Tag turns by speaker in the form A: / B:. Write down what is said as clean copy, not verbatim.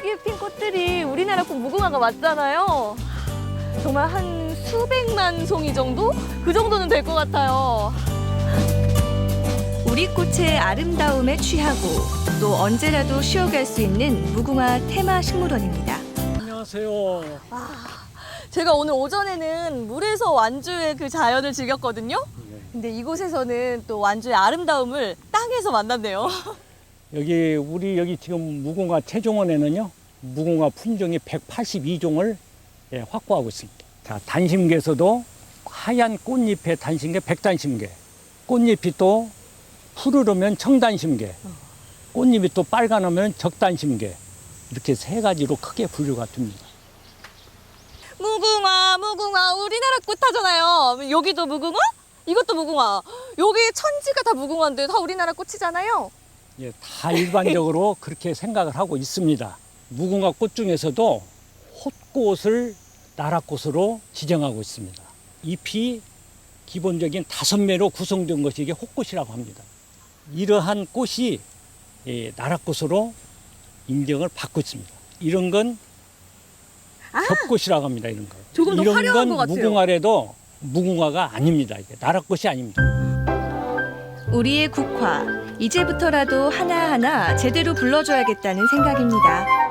A: 여기에 핀 꽃들이 우리나라 꽃 무궁화가 맞잖아요. 정말 한 수백만 송이 정도? 그 정도는 될 것 같아요.
B: 우리 꽃의 아름다움에 취하고 또 언제라도 쉬어갈 수 있는 무궁화 테마 식물원입니다.
C: 안녕하세요.
A: 제가 오늘 오전에는 물에서 완주의 그 자연을 즐겼거든요. 근데 이곳에서는 또 완주의 아름다움을 땅에서 만났네요.
C: 여기 지금 무궁화 체종원에는요, 무궁화 품종이 182종을 확보하고 있습니다. 자, 단심계에서도 하얀 꽃잎의 단심계 백단심계, 꽃잎이 또 푸르르면 청단심계, 꽃잎이 또 빨간하면 적단심계, 이렇게 세 가지로 크게 분류가 됩니다.
A: 무궁화, 무궁화, 우리나라 꽃 하잖아요. 여기도 무궁화? 이것도 무궁화. 여기 천지가 다 무궁화인데 다 우리나라 꽃이잖아요.
C: 예, 다 일반적으로 그렇게 생각을 하고 있습니다. 무궁화 꽃 중에서도 홑꽃을 나라꽃으로 지정하고 있습니다. 잎이 기본적인 5매로 구성된 것이 이게 홑꽃이라고 합니다. 이러한 꽃이 나라꽃으로 인정을 받고 있습니다. 이런 건 겹꽃이라고 합니다. 이런 거.
A: 조금 더
C: 이런
A: 화려한
C: 건
A: 것 같아요.
C: 무궁화래도 무궁화가 아닙니다. 이게 나라꽃이 아닙니다.
B: 우리의 국화, 이제부터라도 하나하나 제대로 불러줘야겠다는 생각입니다.